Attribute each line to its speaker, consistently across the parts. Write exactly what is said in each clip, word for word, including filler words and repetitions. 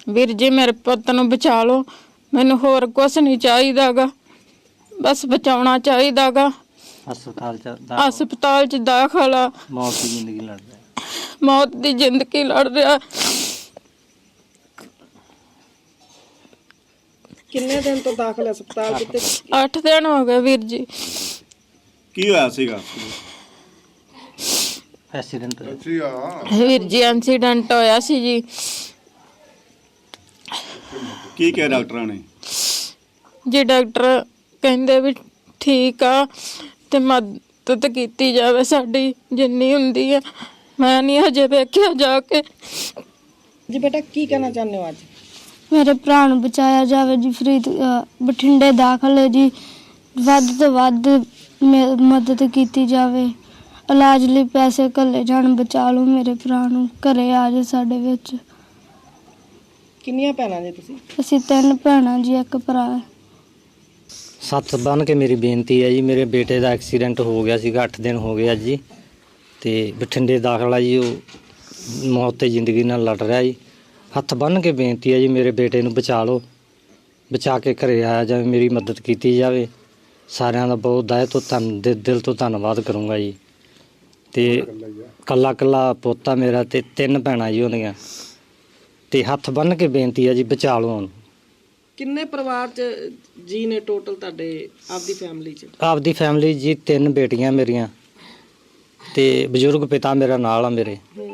Speaker 1: ਵੀਰ ਜੀ ਮੇਰੇ ਪੁੱਤ ਨੂੰ ਬਚਾ ਲਓ, ਮੈਨੂੰ ਹੋਰ ਕੁਝ ਨਹੀਂ ਚਾਹੀਦਾਗਾ, ਬਸ ਬਚਾਉਣਾ ਚਾਹੀਦਾਗਾ।
Speaker 2: ਹਸਪਤਾਲ ਚ
Speaker 1: ਹਸਪਤਾਲ ਚ ਦਾਖਲ ਆ,
Speaker 2: ਮੌਤ ਦੀ ਜ਼ਿੰਦਗੀ ਲੜ ਰਿਹਾ
Speaker 1: ਮੌਤ ਦੀ ਜ਼ਿੰਦਗੀ ਲੜ ਰਿਹਾ।
Speaker 3: ਕਿੰਨੇ ਦਿਨ ਤੋਂ ਦਾਖਲ ਹਸਪਤਾਲ ਚ?
Speaker 1: ਅੱਠ ਦਿਨ ਹੋ ਗਏ ਵੀਰ ਜੀ।
Speaker 4: ਕੀ ਹੋਇਆ ਸੀਗਾ?
Speaker 2: ਐਕਸੀਡੈਂਟ
Speaker 1: ਵੀਰ ਜੀ ਐਕਸੀਡੈਂਟ ਹੋਇਆ ਸੀ ਜੀ।
Speaker 4: ਕੀ ਕਿਹਾ ਡਾਕਟਰਾਂ ਨੇ?
Speaker 1: ਜੀ ਡਾਕਟਰ ਕਹਿੰਦੇ ਵੀ ਠੀਕ ਆ ਤੇ ਮਦਦ ਕੀਤੀ ਜਾਵੇ ਸਾਡੀ ਜਿੰਨੀ ਹੁੰਦੀ ਆ। ਮੈਂ ਨਹੀਂ ਹਜੇ ਵੇਖਿਆ ਜਾ ਕੇ।
Speaker 3: ਜੀ ਬੇਟਾ ਕੀ ਕਹਿਣਾ ਚਾਹੁੰਦੇ ਹੋ ਅੱਜ?
Speaker 5: ਮੇਰੇ ਭਰਾ ਨੂੰ ਬਚਾਇਆ ਜਾਵੇ ਜੀ। ਫਰੀਦ ਬਠਿੰਡੇ ਦਾਖਲ ਹੈ ਜੀ, ਵੱਧ ਤੋਂ ਵੱਧ ਮਦਦ ਕੀਤੀ ਜਾਵੇ। ਇਲਾਜ ਲਈ ਪੈਸੇ ਘੱਲੇ ਜਾਣ, ਬਚਾ ਲਓ ਮੇਰੇ ਭਰਾ ਨੂੰ, ਘਰੇ ਆ ਜਾ ਸਾਡੇ ਵਿੱਚ।
Speaker 3: ਕਿੰਨੀਆਂ ਭੈਣਾਂ ਜੀ ਤੁਸੀਂ?
Speaker 5: ਅਸੀਂ ਤਿੰਨ ਭੈਣਾਂ ਜੀ, ਇੱਕ ਭਰਾ ਹੈ।
Speaker 2: ਸੱਤ ਬੰਨ ਕੇ ਮੇਰੀ ਬੇਨਤੀ ਹੈ ਜੀ, ਮੇਰੇ ਬੇਟੇ ਦਾ ਐਕਸੀਡੈਂਟ ਹੋ ਗਿਆ ਸੀਗਾ, ਅੱਠ ਦਿਨ ਹੋ ਗਏ ਅੱਜ ਜੀ, ਤੇ ਬਠਿੰਡੇ ਦਾਖਲ ਆ ਜੀ। ਉਹ ਮੌਤ ਤੇ ਜ਼ਿੰਦਗੀ ਨਾਲ ਲੜ ਰਿਹਾ ਜੀ। ਹੱਥ ਬੰਨ੍ਹ ਕੇ ਬੇਨਤੀ ਹੈ ਜੀ, ਮੇਰੇ ਬੇਟੇ ਨੂੰ ਬਚਾ ਲਓ, ਬਚਾ ਕੇ ਘਰੇ ਆਇਆ ਜਾਵੇ, ਮੇਰੀ ਮਦਦ ਕੀਤੀ ਜਾਵੇ। ਸਾਰਿਆਂ ਦਾ ਬਹੁਤ ਦਾਇ ਤੋਂ ਧੰਨ ਦਿਲ ਤੋਂ ਧੰਨਵਾਦ ਕਰੂੰਗਾ ਜੀ। ਤੇ ਕੱਲਾ ਕੱਲਾ ਪੋਤਾ ਮੇਰਾ ਤੇ ਤਿੰਨ ਭੈਣਾਂ ਜੀ ਉਹਦੀਆਂ, ਤੇ ਹੱਥ ਬੰਨ੍ਹ ਕੇ ਬੇਨਤੀ ਹੈ ਜੀ, ਬਚਾ ਲਓ ਉਹਨੂੰ।
Speaker 3: ਕਿੰਨੇ ਪਰਿਵਾਰ ਚ ਜੀ ਨੇ ਟੋਟਲ ਤੁਹਾਡੇ ਆਪਦੀ ਫੈਮਿਲੀ ਚ?
Speaker 2: ਆਪਦੀ ਫੈਮਿਲੀ ਜੀ ਤਿੰਨ ਬੇਟੀਆਂ ਮੇਰੀਆਂ ਤੇ ਬਜ਼ੁਰਗ ਪਿਤਾ ਮੇਰਾ ਨਾਲ ਆ ਮੇਰੇ,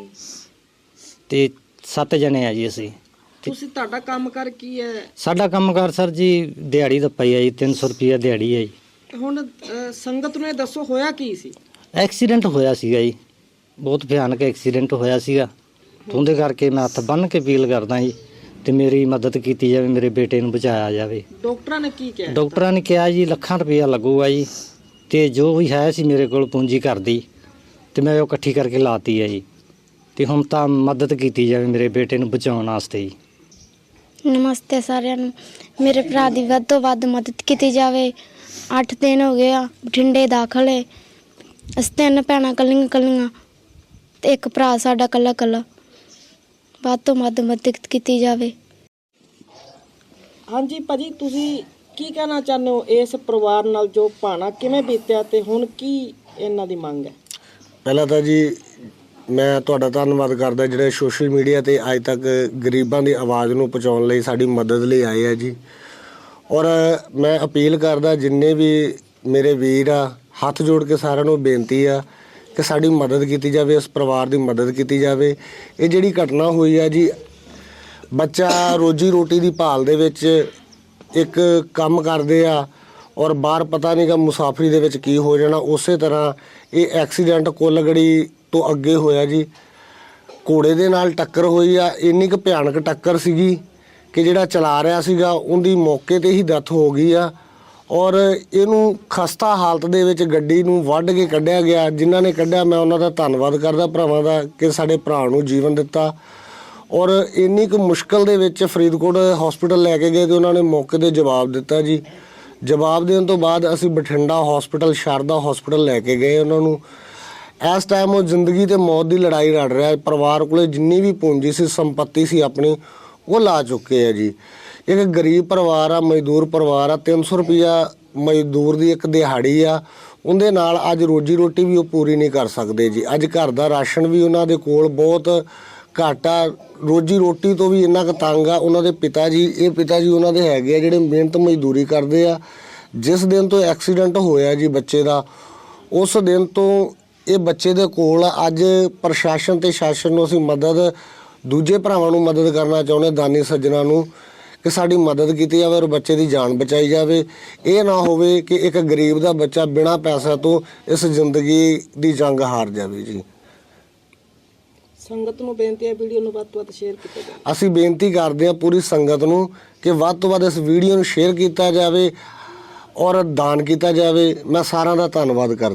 Speaker 2: ਤੇ ਸੱਤ ਜਣੇ ਆ ਜੀ ਅਸੀਂ।
Speaker 3: ਤੁਸੀਂ ਤੁਹਾਡਾ ਕੰਮ ਕਰ ਕੀ ਹੈ?
Speaker 2: ਸਾਡਾ ਕੰਮਕਾਰ ਸਰ ਜੀ ਦਿਹਾੜੀ ਦਾ ਪਈ ਆ ਜੀ, ਤਿੰਨ ਸੌ ਰੁਪਈਆ ਦਿਹਾੜੀ ਹੈ ਜੀ।
Speaker 3: ਹੁਣ ਅਹ, ਸੰਗਤ ਨੂੰ ਇਹ ਦੱਸੋ ਹੋਇਆ ਕੀ ਸੀ?
Speaker 2: ਐਕਸੀਡੈਂਟ ਹੋਇਆ ਸੀਗਾ ਜੀ, ਬਹੁਤ ਭਿਆਨਕ ਐਕਸੀਡੈਂਟ ਹੋਇਆ ਸੀਗਾ। ਉਹਦੇ ਕਰਕੇ ਮੈਂ ਹੱਥ ਬੰਨ੍ਹ ਕੇ ਅਪੀਲ ਕਰਦਾ ਜੀ, ਤੇ ਮੇਰੀ ਮਦਦ ਕੀਤੀ ਜਾਵੇ, ਮੇਰੇ ਬੇਟੇ ਨੂੰ ਬਚਾਇਆ ਜਾਵੇ।
Speaker 3: ਡਾਕਟਰਾਂ ਨੇ ਕੀ ਕਿਹਾ?
Speaker 2: ਡਾਕਟਰਾਂ ਨੇ ਕਿਹਾ ਜੀ ਲੱਖਾਂ ਰੁਪਈਆ ਲੱਗੂਗਾ ਜੀ, ਤੇ ਜੋ ਵੀ ਹੈ ਸੀ ਮੇਰੇ ਕੋਲ ਪੂੰਜੀ ਘਰ ਦੀ, ਤੇ ਮੈਂ ਉਹ ਇਕੱਠੀ ਕਰਕੇ ਲਾਤੀ ਹੈ ਜੀ। ਤੇ ਹੁਣ ਤਾਂ ਮਦਦ ਕੀਤੀ ਜਾਵੇ ਮੇਰੇ ਬੇਟੇ ਨੂੰ ਬਚਾਉਣ ਵਾਸਤੇ ਜੀ।
Speaker 5: ਨਮਸਤੇ ਸਾਰਿਆਂ ਨੂੰ। ਮੇਰੇ ਭਰਾ ਦੀ ਵੱਧ ਤੋਂ ਵੱਧ ਮਦਦ ਕੀਤੀ ਜਾਵੇ। ਅੱਠ ਦਿਨ ਹੋ ਗਏ ਆ, ਬਠਿੰਡੇ ਦਾਖਲ ਹੈ। ਅਸੀਂ ਤਿੰਨ ਭੈਣਾਂ ਕੱਲੀਆਂ ਕੱਲੀਆਂ ਤੇ ਇੱਕ ਭਰਾ ਸਾਡਾ ਕੱਲਾ ਕੱਲਾ। ਵੱਧ ਤੋਂ ਵੱਧ ਮਦਦ ਕੀਤੀ ਜਾਵੇ।
Speaker 3: ਹਾਂਜੀ ਭਾਜੀ, ਤੁਸੀਂ ਕੀ ਕਹਿਣਾ ਚਾਹੁੰਦੇ ਹੋ ਇਸ ਪਰਿਵਾਰ ਨਾਲ ਜੋ ਭਾਣਾ ਕਿਵੇਂ ਬੀਤਿਆ ਤੇ ਹੁਣ ਕੀ ਇਹਨਾਂ ਦੀ ਮੰਗ ਹੈ?
Speaker 6: ਪਹਿਲਾਂ ਤਾਂ ਜੀ ਮੈਂ ਤੁਹਾਡਾ ਧੰਨਵਾਦ ਕਰਦਾ ਜਿਹੜੇ ਸੋਸ਼ਲ ਮੀਡੀਆ 'ਤੇ ਅੱਜ ਤੱਕ ਗਰੀਬਾਂ ਦੀ ਆਵਾਜ਼ ਨੂੰ ਪਹੁੰਚਾਉਣ ਲਈ ਸਾਡੀ ਮਦਦ ਲਈ ਆਏ ਆ ਜੀ। ਔਰ ਮੈਂ ਅਪੀਲ ਕਰਦਾ ਜਿੰਨੇ ਵੀ ਮੇਰੇ ਵੀਰ ਆ, ਹੱਥ ਜੋੜ ਕੇ ਸਾਰਿਆਂ ਨੂੰ ਬੇਨਤੀ ਆ ਕਿ ਸਾਡੀ ਮਦਦ ਕੀਤੀ ਜਾਵੇ, ਇਸ ਪਰਿਵਾਰ ਦੀ ਮਦਦ ਕੀਤੀ ਜਾਵੇ। ਇਹ ਜਿਹੜੀ ਘਟਨਾ ਹੋਈ ਆ ਜੀ, ਬੱਚਾ ਰੋਜੀ ਰੋਟੀ ਦੀ ਭਾਲ ਦੇ ਵਿੱਚ ਇੱਕ ਕੰਮ ਕਰਦੇ ਆ ਔਰ ਬਾਹਰ ਪਤਾ ਨਹੀਂ ਗਾ ਮੁਸਾਫਰੀ ਦੇ ਵਿੱਚ ਕੀ ਹੋ ਜਾਣਾ। ਉਸੇ ਤਰ੍ਹਾਂ ਇਹ ਐਕਸੀਡੈਂਟ ਕੁੱਲਗੜੀ ਤੋਂ ਅੱਗੇ ਹੋਇਆ ਜੀ, ਘੋੜੇ ਦੇ ਨਾਲ ਟੱਕਰ ਹੋਈ ਆ। ਇੰਨੀ ਕੁ ਭਿਆਨਕ ਟੱਕਰ ਸੀਗੀ ਕਿ ਜਿਹੜਾ ਚਲਾ ਰਿਹਾ ਸੀਗਾ ਉਹਦੀ ਮੌਕੇ 'ਤੇ ਹੀ ਡੈਥ ਹੋ ਗਈ ਆ। ਔਰ ਇਹਨੂੰ ਖਸਤਾ ਹਾਲਤ ਦੇ ਵਿੱਚ ਗੱਡੀ ਨੂੰ ਵੱਢ ਕੇ ਕੱਢਿਆ ਗਿਆ। ਜਿਨ੍ਹਾਂ ਨੇ ਕੱਢਿਆ ਮੈਂ ਉਹਨਾਂ ਦਾ ਧੰਨਵਾਦ ਕਰਦਾ ਭਰਾਵਾਂ ਦਾ ਕਿ ਸਾਡੇ ਭਰਾ ਨੂੰ ਜੀਵਨ ਦਿੱਤਾ। ਔਰ ਇੰਨੀ ਕੁ ਮੁਸ਼ਕਲ ਦੇ ਵਿੱਚ ਫਰੀਦਕੋਟ ਹਸਪੀਟਲ ਲੈ ਕੇ ਗਏ ਤੇ ਉਹਨਾਂ ਨੇ ਮੌਕੇ 'ਤੇ ਜਵਾਬ ਦਿੱਤਾ ਜੀ। ਜਵਾਬ ਦੇਣ ਤੋਂ ਬਾਅਦ ਅਸੀਂ ਬਠਿੰਡਾ ਹਸਪੀਟਲ, ਸ਼ਾਰਦਾ ਹਸਪੀਟਲ ਲੈ ਕੇ ਗਏ ਉਹਨਾਂ ਨੂੰ। ਇਸ ਟਾਈਮ ਉਹ ਜ਼ਿੰਦਗੀ ਤੇ ਮੌਤ ਦੀ ਲੜਾਈ ਲੜ ਰਿਹਾ। ਪਰਿਵਾਰ ਕੋਲੇ ਜਿੰਨੀ ਵੀ ਪੂੰਜੀ ਸੀ, ਸੰਪੱਤੀ ਸੀ ਆਪਣੀ, ਉਹ ਲਾ ਚੁੱਕੇ ਆ ਜੀ। ਇੱਕ ਗਰੀਬ ਪਰਿਵਾਰ ਆ, ਮਜ਼ਦੂਰ ਪਰਿਵਾਰ ਆ। ਤਿੰਨ ਸੌ ਰੁਪਈਆ ਮਜ਼ਦੂਰ ਦੀ ਇੱਕ ਦਿਹਾੜੀ ਆ, ਉਹਦੇ ਨਾਲ ਅੱਜ ਰੋਜੀ ਰੋਟੀ ਵੀ ਉਹ ਪੂਰੀ ਨਹੀਂ ਕਰ ਸਕਦੇ ਜੀ। ਅੱਜ ਘਰ ਦਾ ਰਾਸ਼ਨ ਵੀ ਉਹਨਾਂ ਦੇ ਕੋਲ ਬਹੁਤ ਘੱਟ ਆ, ਰੋਜੀ ਰੋਟੀ ਤੋਂ ਵੀ ਇੰਨਾ ਕੁ ਤੰਗ ਆ। ਉਹਨਾਂ ਦੇ ਪਿਤਾ ਜੀ, ਇਹ ਪਿਤਾ ਜੀ ਉਹਨਾਂ ਦੇ ਹੈਗੇ ਆ ਜਿਹੜੇ ਮਿਹਨਤ ਮਜ਼ਦੂਰੀ ਕਰਦੇ ਆ। ਜਿਸ ਦਿਨ ਤੋਂ ਐਕਸੀਡੈਂਟ ਹੋਇਆ ਜੀ ਬੱਚੇ ਦਾ, ਉਸ ਦਿਨ ਤੋਂ ਇਹ ਬੱਚੇ ਦੇ ਕੋਲ ਅੱਜ ਪ੍ਰਸ਼ਾਸਨ ਤੇ ਸ਼ਾਸਨ ਨੂੰ ਅਸੀਂ ਮਦਦ, ਦੂਜੇ ਭਰਾਵਾਂ ਨੂੰ ਮਦਦ ਕਰਨਾ ਚਾਹੁੰਦੇ, ਦਾਨੀ ਸੱਜਣਾ ਨੂੰ, ਕਿ ਸਾਡੀ ਮਦਦ ਕੀਤੀ ਜਾਵੇ ਔਰ ਬੱਚੇ ਦੀ ਜਾਨ ਬਚਾਈ ਜਾਵੇ। ਇਹ ਨਾ ਹੋਵੇ ਕਿ ਇੱਕ ਗਰੀਬ ਦਾ ਬੱਚਾ ਬਿਨਾਂ ਪੈਸਾ ਤੋਂ ਇਸ ਜ਼ਿੰਦਗੀ ਦੀ ਜੰਗ ਹਾਰ ਜਾਵੇ ਜੀ।
Speaker 3: ਸੰਗਤ ਨੂੰ ਬੇਨਤੀ ਹੈ ਵੀਡੀਓ ਨੂੰ ਵੱਧ ਤੋਂ ਵੱਧ ਸ਼ੇਅਰ ਕੀਤਾ ਜਾਵੇ।
Speaker 6: ਅਸੀਂ ਬੇਨਤੀ ਕਰਦੇ ਹਾਂ ਪੂਰੀ ਸੰਗਤ ਨੂੰ ਕਿ ਵੱਧ ਤੋਂ ਵੱਧ ਇਸ ਵੀਡੀਓ ਨੂੰ ਸ਼ੇਅਰ ਕੀਤਾ ਜਾਵੇ ਔਰ ਦਾਨ ਕੀਤਾ ਜਾਵੇ। ਮੈਂ ਸਾਰਿਆਂ ਦਾ ਧੰਨਵਾਦ ਕਰਦਾ।